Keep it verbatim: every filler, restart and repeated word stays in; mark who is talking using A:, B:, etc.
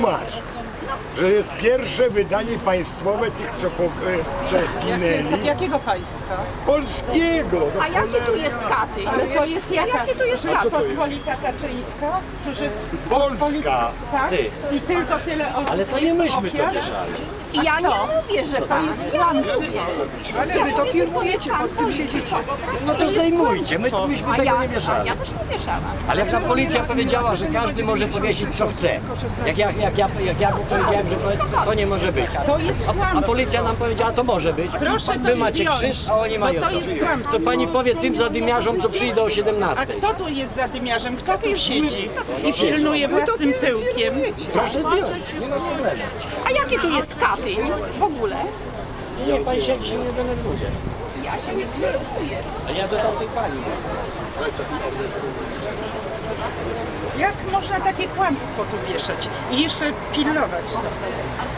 A: Masz, że jest pierwsze wydanie państwowe tych, co po- przeginęli.
B: Jakiego państwa?
A: Polskiego. no
C: A jaki tu
A: cholera.
C: jest Katyń?
B: Ale to jest jaka?
C: Jaki tu jest
A: A co to jest?
B: Pospolita Kaczyńska? Którzy...
A: Polska.
B: Tak?
D: Ty.
B: I tylko tyle osób.
D: Ale to nie myśmy to
B: ofiar?
D: bierzali.
C: I ja nie mówię, że pan. Ja mówię.
B: Ale wy to firmujecie, pod tym siedzicie.
D: No to zdejmujcie, my tu myśmy
C: A
D: tego
C: ja,
D: nie
C: a
D: mieszali.
C: ja też nie mieszałam.
D: Ale jak ta policja powiedziała, że każdy może powiesić co chce. Jak ja, jak ja, jak ja powiedziałem, że to, to nie może być.
B: To jest
D: A, a
B: kłamstwo.
D: policja nam powiedziała, to może być.
B: Proszę to
D: Wy macie
B: zdjąć,
D: krzyż, a oni
B: bo
D: mają
B: to
D: to.
B: jest kłamstwo.
D: To pani powie tym zadymiarzom, co przyjdą o
B: A
D: siedemnastej.
B: kto tu jest zadymiarzem? Kto tu siedzi i pilnuje własnym tyłkiem?
D: Proszę zdjąć, nie ma problemu.
C: A jaki tu jest Katyń w ogóle?
D: Nie, pani się dzisiaj nie denerwuje.
C: Ja się nie denerwuję.
D: A ja do tamtej pani.
B: Jak można takie kłamstwo tu wieszać i jeszcze pilnować to?